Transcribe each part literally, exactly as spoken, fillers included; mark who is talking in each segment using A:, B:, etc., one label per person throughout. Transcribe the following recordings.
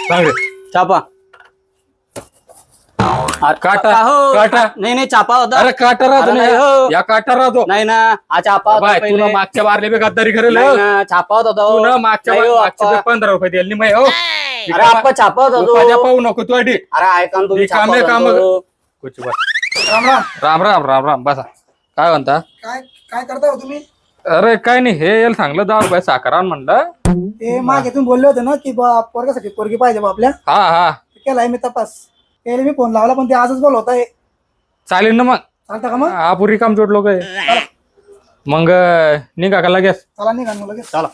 A: सांग रे.
B: चापा
A: काटा
B: हो
A: काटा
B: नाही नाही चापा होता.
A: अरे काटा राहतो
B: अरे
A: ना
B: नाही हो.
A: या काटा राहतो.
B: नाही ना हा चापा होता
A: बाय तू
B: पहिले.
A: ना मागच्या बारले बी गद्दारी करेल
B: नाही ना छापा होता तो.
A: तू ना मागच्या
B: नाही हो,
A: मागच्या
B: आप्पा.
A: बी पंधरा रुपये दिले नाही हो.
B: अरे आप्पा छापा होता तो.
A: उपाध्या पाहू नको तू अडी
B: अरे ऐका ना तुम्ही छापा
A: कामे
B: होता
A: काम
B: तो.
A: कुछ बस राम राम राम राम राम राम बसा काय म्हणता.
C: काय काय करता हो तुम्ही?
A: अरे काय नाही हे याला सांगलं दहा रुपये साखर आण म्हणलं.
C: ते मागे तुम्ही बोलले होते ना की बा पोरगासाठी पोरगी पाहिजे बा आपल्या.
A: हा हा
C: केलाय मी तपास. त्याला मी फोन लावला पण ते आजच बोलवत आहे.
A: चालेल ना मग
C: चालतं का मग?
A: हा पुरी काम जोड लोक आहे मग निघा का लगेच.
C: चला निघा मग लगेच.
B: चला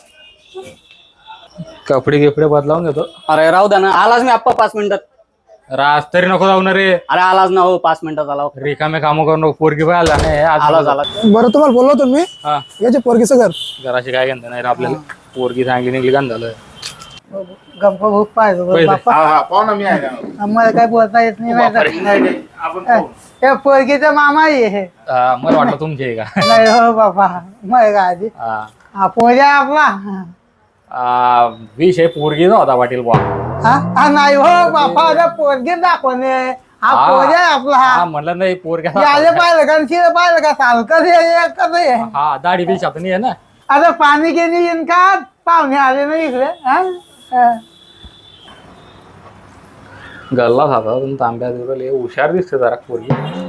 A: कपडे गिपडे बदलावून घेतो.
B: अरे राहू द्या ना आलाच मी आप्पा पाच मिनिटात.
A: राज तरी नको जाऊ ना रे.
B: अरे आलाच ना हो पाच मिनिटात आला.
A: रिकामे काम करू नको पोरगी पाहायला नाही
B: आला झाला.
C: बरं तुम्हाला बोललो होतो मी
A: हा
C: याचे पोरगीचं घर.
A: घराशी काय घेणं नाही रे आपल्याला. पोरगी चांगली निघली गाण झालं.
C: गप्पा भूक पाहिजे
A: पहिले.
C: आम्हाला काय बोलता येत नाही. पोरगीचा मामा आहे.
A: हा, मला वाटलं तुमची आहे का.
C: नाही हो बाबा मग आधी
A: हा.
C: हा पोरगा आपला.
A: आ, विषय पोरगीचा होता पाटील बुवा.
C: हा नाही हो बापा पोरगी दाखवणे. हा
A: हा.
C: पोरगा आपला.
A: हा म्हणलं नाही पोरग्या
C: याले पाहिलं का शिळे पाहिलं का साल कसं कसं आहे.
A: हा दाढी बी छापणी आहे ना.
C: आता पाणी गेली येईन का पाहुणे आले ना इकडे. हा? हा.
A: गल्ला खाता तुम्ही तांब्या दिवले हुशार दिसते जरा पोरगी.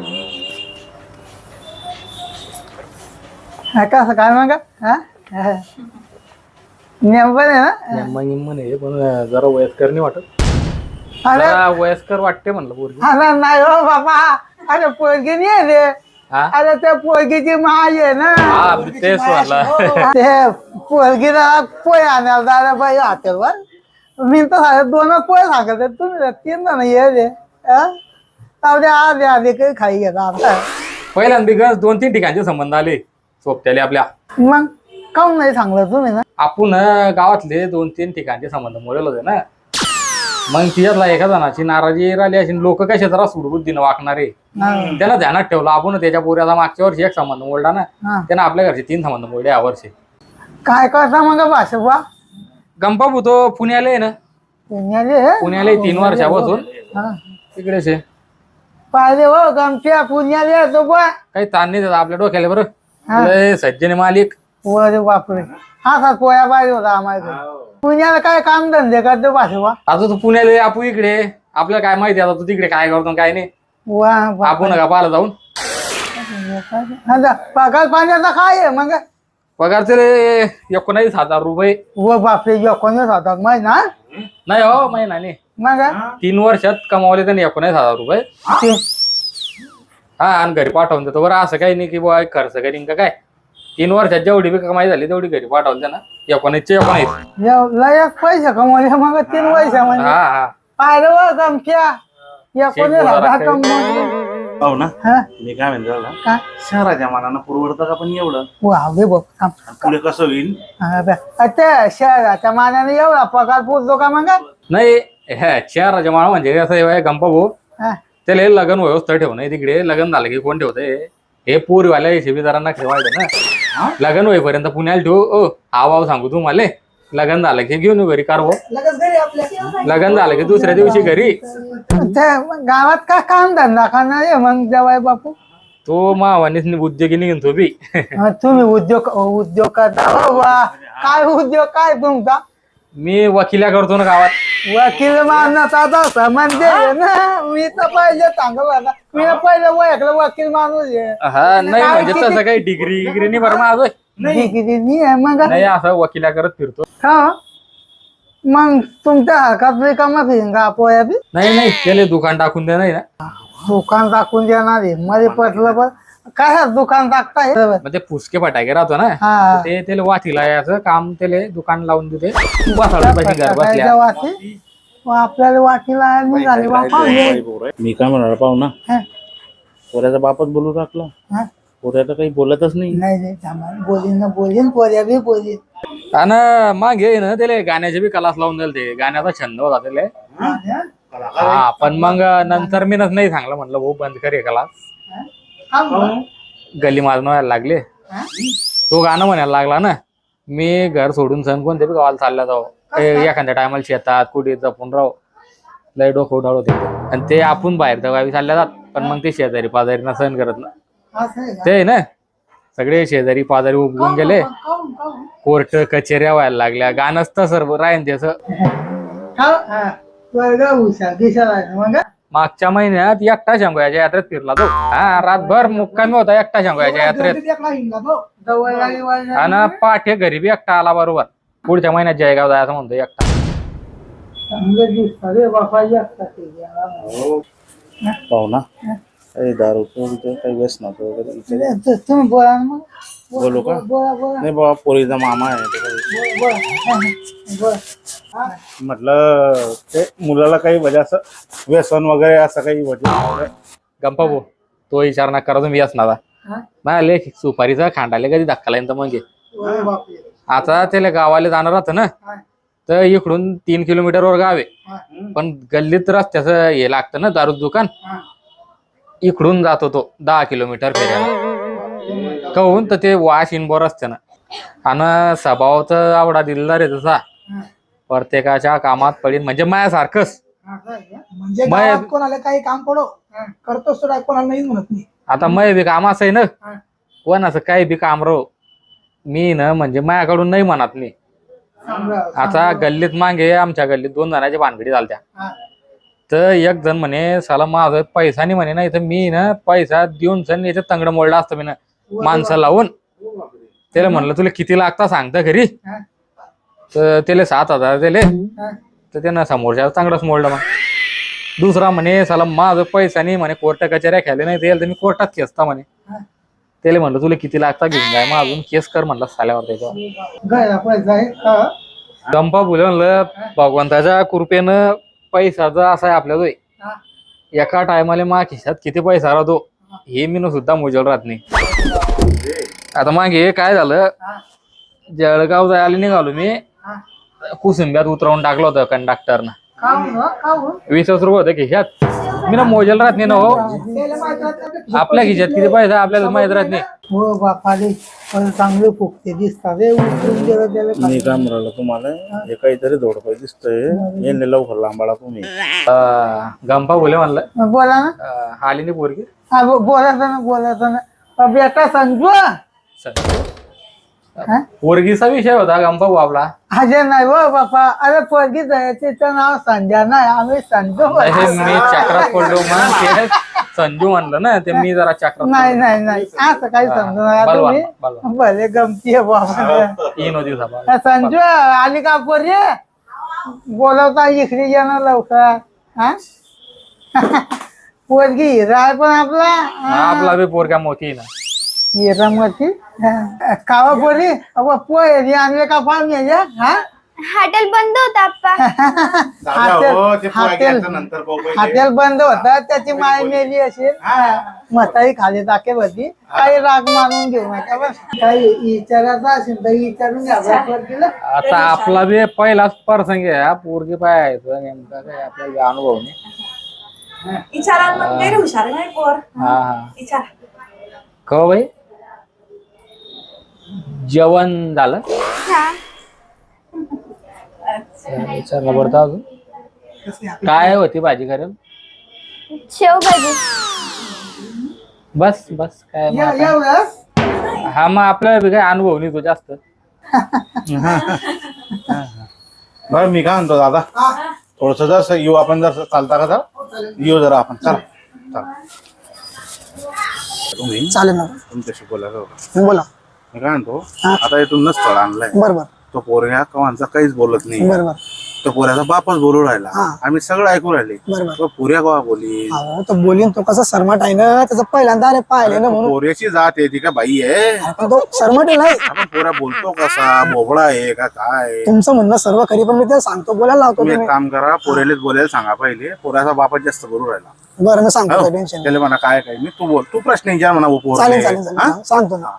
C: हा, कसं काय मग हा? हा. नेमकं आहे ना.
A: निम्मा निम्मा नाही पण जरा वयस्कर नाही वाटत.
C: अरे
A: जरा वयस्कर वाटते म्हणलं पोरगी.
C: अरे नाही हो बाबा. अरे पोरगी नाही आहे रे.
A: हा
C: अरे त्या पोरगीची माय आहे ना.
A: हा तेच म्हणलं.
C: ते पोरगीला पोय आणायला जायला पाहिजे हॉटेलवर. मी तर सांगत दोनच पोय सांगत आहे. तुम्ही तीन जण ये रे. त्यामध्ये आधी आधी काही खाई घेता आता.
A: पहिल्यांदा गज दोन तीन ठिकाणचे संबंध आले सोबत्याले आपल्या.
C: मग काऊन नाही सांगलं तुम्ही ना.
A: आपण गावातले दोन तीन ठिकाणचे संबंध मोडेल होते ना. मग तिच्यातला एका जणाची नाराजी राहिली अशी लोक कशा जरा सुडबुद्धीनं वागणारे त्याला ध्यानात ठेवलं. आपण त्याच्या पोऱ्याचा मागच्या वर्षी एक संबंध मोडला ना.
C: हा.
A: त्यानं आपल्या घरचे तीन संबंध मोडले या वर्षी.
C: काय करता मग भाषा बा.
A: गंपाबू तो पुण्याला आहे ना.
C: पुण्याले
A: पुण्याला आहे तीन वर्षापासून
C: हा.
A: तिकडेच आहे.
C: पाहिजे हो गमच्या पुण्याले येतो बा.
A: काही ताण नाही त्याचा आपल्या डोक्याला बरं.
C: हा.
A: लय सज्जने मालिक.
C: अरे बापरे. हा का पोया पाहिजे होता आम्हाला. पुण्याला काय काम धंदे करतो भाषा बा.
A: आता तू पुण्याला आहे, आपू इकडे. आपल्याला काय माहिती आता तू तिकडे काय करतो काय नाही.
C: वा बा.
A: आपण का पाहिलं जाऊन.
C: आता पगार पाण्याचा काय आहे मग.
A: पगारचे रे एकोणावीस हजार रुपये.
C: व बापरे एकोणीस होतात माहिती ना.
A: नाही हो महिना नाही.
C: मग
A: तीन वर्षात कमावले त्यांनी एकोणीस हजार रुपये. हा आणि घरी पाठवून देतो बरं. असं काही नाही की बुवा खर्च करीन का काय. तीन वर्षात जेवढी बी कमाई झाली तेवढी घरी पाठवून त्यांना. एकोणीसचे एकोणीस.
C: लयच पैसे कमवले मग तीन वर्षामध्ये.
A: हा हा
C: पाहिलं व गमच्या एकोणीस हजार कमवले.
D: हो ना.
C: हा?
D: मी काय म्हणतो दादा,
C: काय
D: शहराच्या मानानं परवडतं का पण एवढं.
C: वा दे बघ थांब.
D: पुढे कसं होईल.
C: हा बे. अच्छा शहराच्या मानाने एवढा पगार पोचतो का मग.
A: नाही ह्या शहराच्या माळ म्हणजे असं आहे गंपा भाऊ.
C: हा.
A: त्याला लग्न व्यवस्था ठेवणं तिकडे. लग्न झालं की कोण ठेवतंय हे पोरीवाल्या हिशेबीदारांना ठेवायचं ना. लग्न होईपर्यंत पुण्याला ठेवू. ओ आवाव सांगू तुम्हाला. लग्न झालं की घेऊन येऊ घरी कारवो.
C: लगेच घरी आपल्या.
A: लग्न झालं की दुसऱ्या दिवशी घरी.
C: ते गावात काय काम धंदा करणार आहे मग जवाय बापू.
A: तो मावानीच उद्योगी निघून तो बी.
C: हा, तुम्ही उद्योग उद्योग करता. वा काय उद्योग काय तुमचा.
A: मी वकिल्या करतो ना गावात.
C: वकील माणूस आता म्हणजे ना. मी तर पहिले सांगत होता. मी पहिले ओळखलं वकील माणूस आहे.
A: हा नाही म्हणजे तसं काही डिग्री डिग्री नाही बरं माझं.
C: डिग्री नाही आहे मग.
A: नाही असं वकिल्या करत फिरतो.
C: हा मग तुमच्या हरकत रिकामाच येईन का पोया बी.
A: नाही नाही त्याला दुकान टाकून दे नाही ना.
C: दुकान टाकून देणार आहे मध्ये पटलं पण काय दुकान टाकताय.
A: म्हणजे पुसके फटाके राहतो ना.
C: हा.
A: ते त्याला वाचीला याचं काम त्याला दुकान लावून देते. बसायला पाहिजे घर बसल्या.
C: वाची आपल्याला वाकीला निघाले बापा.
D: मी काय म्हणाला पाहू ना.
C: हा.
D: पोऱ्याचा बापच बोलू टाकला.
C: हा?
D: पोऱ्या तर काही बोलतच नाही.
C: नाही नाही थांबा. बोलीन ना बोलीन पोऱ्या बी बोलीन.
A: आणि मग हे ना त्याला गाण्याचे बी क्लास लावून दिले. ते गाण्याचा छंद होता त्याला. हा पण मग नंतर मी नाही सांगलं म्हणलं भाऊ बंद कर हे क्लास. गली मारून व्हायला लागले. तो गाणं म्हणायला लागला ना. मी घर सोडून सण कोणत्या बी गावाला चालला जाऊ. एखाद्या टायमाला शेतात कुठे जपून राहू. लय डोकं उठावलं होते आणि ते आपण बाहेर तर गावी चालल्या जात पण मग ते शेजारी पाजारीना सहन करत ना
C: असं आहे का?
A: ते ना सगळे शेजारी पाजारी उगवून गेले
C: काहून काहून
A: कोर्ट कचेऱ्या व्हायला लागल्या गाणंच तर सर्व राहीन त्याचं
C: हा हा वर्ग हुशार दिशाला आहे मग
A: मागच्या महिन्यात एकटा शंभूयाच्या यात्रेत फिरला तो हा रातभर मुक्कामी होता एकटा शंभूयाच्या यात्रेत आणि पाठे घरी बी एकटा आला बरोबर पुढच्या महिन्यात जयगाव जायचं म्हणतो एकटा
C: चांगले दिसतात रे बापाजी असतात ते.
D: पाहू ना काही दारू पिऊन काही व्यसनाचं वगैरे विचार-
C: ते तुम्ही बोला ना मग
D: बोलू का
C: बोला बोला
D: नाही बाबा पोरीचा मामा आहे तो काही-
C: बोला बोला बोला हा.
D: म्हटलं ते मुलाला काही म्हणजे असं व्यसन वगैरे असं काही म्हटलं
A: गंपा भाऊ तो विचार ना करा तुम्ही असणार
C: हा?
A: नाही लेख सुपारीचा खांडाले कधी धक्का लाईन तर मग घे.
C: अरे बापरे.
A: आता त्याला गावाला जाणार राहतं ना
C: हा.
A: तर इकडून तीन किलोमीटरवर गाव आहे
C: हा.
A: पण गल्लीत रस्त्याचं हे लागतं ना दारू दुकान
C: हा.
A: इकडून जातो तो दहा किलोमीटर फिरायला कहून तर ते वाश इनबोर असते ना आणि स्वभाव तर आवडा दिलेला रे तसा
C: हा.
A: प्रत्येकाच्या कामात पडीन म्हणजे मायासारखंच
C: असं आहे का? म्हणजे
A: मग-
C: गावात कोणाला काही काम पडो करतोस तर कोणाला नाही म्हणत नाही
A: आता मय बी काम असं आहे ना
C: हा.
A: कोणाचं काही बी काम राहो मी ना म्हणजे मायाकडून नाही म्हणत नाही
C: चांगलं-
A: आता
C: चांगलं.
A: गल्लीत मागे आमच्या गल्लीत दोन जणांच्या भानगडी झालत्या
C: हा.
A: तर एक जण म्हणे साला माझं पैसा नाही म्हणे नाही तर मी ना पैसा देऊन सण याच्यात तंगड मोडला असतं मी ना माणसं लावून त्याला म्हणलं तुला किती लागता सांगता घरी
C: हा.
A: तर त्याला सात हजार दिले
C: हा.
A: तर त्यानं समोरच्या चांगलंच मोडलं मग दुसरा म्हणे साला माझं पैसा नाही म्हणे कोर्ट कचेऱ्या खेळले नाही ते तर मी कोर्टात खेचता म्हणे
C: हा.
A: त्याला म्हणलं तुला किती लागता घेऊन जाय मग अजून केस कर म्हणलं साल्यावर त्याच्यावर
C: गायला पैसा आहे हा.
A: गंपा बोल म्हणलं भगवंताच्या कृपेनं पैसा जर असा आहे आपल्या
C: हा.
A: एका टायमाला मा खिशात किती पैसा राहतो हे मी सुद्धा मोजल राहत नाही आता मागे काय झालं
C: हा.
A: जळगाव जायला निघालो मी
C: हा.
A: कुसुंब्यात उतरवून टाकलं होतं कंडक्टरनं
C: काहून हो? काहून?
A: वीसच रुपये होते खिशात मी ना मोजल राहत नाही ना हो
C: त्याला माहित राहत नाही आपल्या
A: आपल्या खिशात किती पैसा आपल्याला माहित राहत नाही
C: हो बापाले पण चांगले फुकते दिसतात रे उचलून गेलं त्याला
D: मी काय म्हणालो तुम्हाला हे काहीतरी धोडपै दिसतंय हे लवकर लांबाळा तुम्ही
A: अं, गंपा बोले म्हणलं
C: बोला ना
A: अं, आली नाही पोरगी
C: हा बो- बोलायचं ना बोलायचं ना अ, बेटा संजू हा?
A: पोरगीचा विषय होता गंपा भाऊ आपला
C: अजय नाही हो बापा अरे पोरगी तिचं नाव संध्या नाही आम्ही संजू
A: हे
C: बोलतो.
A: मी चक्रात पडलो मग ते संजू म्हणलं ना ते मी जरा चक्रात
C: नाही नाही नाही असं काही समजू नका
A: बलवान,
C: तुम्ही
A: बलवान.
C: भले गमती आहे बाबा
A: तीन दिवसा
C: अ, संजू आली का पोरी बोलवता इकडे ये ना लवकर हा पोरगी हिरा आहे पण आपला
A: आपला बी पोरगा मोठी आहे ना
C: हिरा मोठी कावा पोरी अबा पोहे आणले का पाहुणे हा
E: हॉटेल बंद होतं आप्पा
C: हॉटेल हॉटेल हॉटेल बंद होता त्याची माय मेली असेल म्हातारी खाली टाके होती काही राग मानून घेऊ नका बस काही विचारायचं असेल तर विचारून घ्या पोरगीला.
A: आता आपला बी पहिलाच प्रसंग आहे हा पोरगी पाहायचं नेमका काय आपल्याला अनुभव नाही
F: विचारा मग गैर हुशार नाही पोर
A: हा हा
F: विचार
A: कहो भाई जेवण झालं
E: हा
A: विचारलं पडतं अजून काय होती भाजी करेल
E: शेवभाजी
A: बस बस काय मग
C: या-
A: आता?
C: एवढंच?
A: हा मग आपल्याला बी काय अनुभव नाही तो जास्त
D: बरं मी काय म्हणतो दादा थोडस जर येऊ आपण जर चालता का जर येऊ जरा आपण चला चला तुम्ही
C: चालेल ना
D: तुमच्याशी बोलायचं होतं
C: बोला
D: मी काय म्हणतो आता इथून स्थळ आणलंय
C: बरोबर
D: तो पोरग्या कवांचा काहीच बोलत नाही
C: बरोबर
D: तो पोऱ्याचा बापच बोलू राहिला
C: हा.
D: आम्ही सगळं ऐकू राहिले
C: बरोबर
D: तो पोऱ्या कवा बोली
C: अहो तो बोलीन तो कसा सरमट आहे ना त्याचं पहिल्यांदा अरे पाहिले ना म्हणून
D: पोऱ्याची जात आहे ती का बाई आहे
C: पण तो सरमट आहे नाही
D: आपण पोऱ्या बोलतो कसा बोबडा आहे का काय
C: तुमचं म्हणणं सर्व खरी पण मी ते सांगतो बोलायला लावतो
D: तुम्ही एक
C: तुम्ही
D: काम करा पोऱ्यालाच बोलायला सांगा पहिले पोऱ्याचा बापच जास्त बोलू राहिला
C: बरं मी सांगतो
D: हो.
C: टेन्शन
D: त्याला म्हणा काय काय मी तू बोल तू प्रश्न विचार म्हणा वो पोरले.
C: चालेल चालेल चालेल
D: हा?
C: हा, सांगतो ना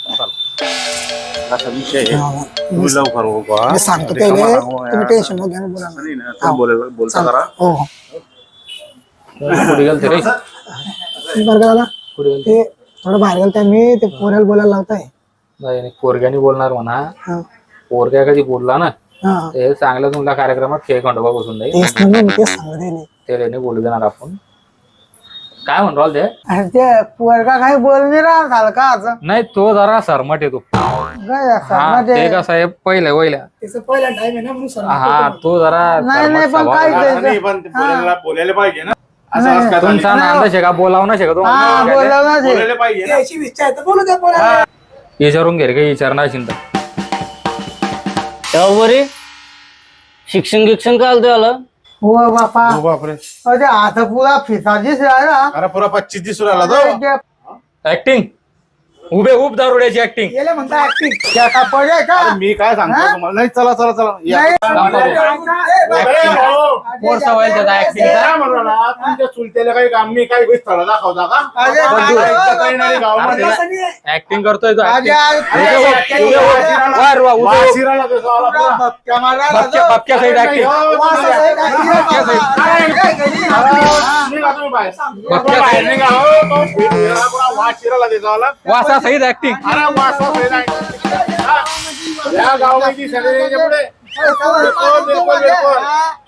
D: असा विषय आहे.
C: हा, हा.
D: तुम्ही लवकर हो बा.
C: मी सांगतो
D: रिकामा
C: त्याला
D: सांगू
C: तुम्ही
D: यार.
C: टेन्शन न घ्या ना, बोला ना.
D: नाही ना, तुम्ही बोलायला- बोलता
C: चालेल.
D: करा
C: हो हो
A: कुठे गेलते रे
C: बरं का दादा
A: कुठे गेलते
C: ते थोडं बाहेर गेलं तर मी ते पोऱ्याला बोलायला लावताय
A: नाही नाही, पोरग्याने बोलणार म्हणा
C: हा
A: पोरग्या कधी बोलला ना
C: हा.
A: ते चांगल्या तुमच्या कार्यक्रमात खेळ खंडोबा बसून जाईल
C: तेच ना मी तेच सांगत आहे मी.
A: ते रेने बोलू देणार आपण. काय म्हणतो ते
C: अरे ते पोरगा काही बोल नाही राहत झालं का असं
A: नाही तो जरा सरमट येतो
C: काय असं
A: हा
C: मध्ये-
A: ते कसं आहे पहिल्या पहिल्या
F: त्याचं पहिला टाइम आहे ना म्हणून सर
A: हा तो जरा
C: नाही, नाही,
A: सरमट
C: पण
A: स्वभाव
C: काय
A: आहे.
C: ते-
D: असं नाही, पण ते बोलायला बोलायला पाहिजे ना असं
C: नाही,
D: असं काय
A: तुमचा
D: झालं?
A: नांद शेका बोलावं ना शेका
C: हा
A: तो
C: बोलवलं ते.
D: बोलायला पाहिजे ना
F: याची इच्छा आहे तर बोलू द्या पोराला.
A: विचारून घे रे काही विचारणार असेल तर
B: तेव्हा बरी शिक्षण गिक्षण काय आलं आलं
C: हो बापा
D: हो बापरे
C: अरे आता पुरा फिसाजीच राहिला
D: अरे पुरा पच्चीस दिवस राहिला तो
A: ऍक्टिंग उभे उभ दारुड्याची ऍक्टिंग
F: गेले म्हणता ऍक्टिंग.
C: क्या का पडे का
D: अरे मी काय सांगतो तुम्हाला नाही चला चला चला या.
C: नाही.
D: अरे भाऊ,
A: कोर्स होईल त्याचा ऍक्टिंग
D: काय म्हणू राहिला? तुमच्या चुलत्याला काही काम मी काही स्थळ दाखवता का
C: अरे
D: पण
C: काय
D: तू
C: हो,
D: ऐकता येणार आहे
C: बाबा.
D: गावामध्ये?
F: असं नाही आहे.
A: ऍक्टिंग करतोय तो
C: अरे
A: acting.
C: आज
D: अरे,
C: पुरा
D: अरे,
C: उभे-
D: वाशिराला-
A: वर वा, उभे-
D: वाशिराला कसं आला
C: पुरा
D: पुरा?
C: भपक्या मारायला
A: बापक्या
C: तो.
A: बापक्या सहित
D: अरे,
A: ऍक्टिंग
D: हो,
C: वास
D: तुम्ही-
C: आहे का?
D: अरे,
C: बाबा.
D: अरे,
C: अरे, घरी
D: अरे,
C: हा.
D: निघा तुम्ही बाहेर.
A: बघ,
D: बाहेर निघा, हो, तो फिरायला पुरा वाशिराला देतो आला.
A: वासा सहित ऍक्टिंग
D: अरे, वासा फिरायला. हा. या गावामध्ये सगळे याच्या पुढे
C: अरे, चला,
D: बिलकुल, बिलकुल, बिलकुल.
C: हा.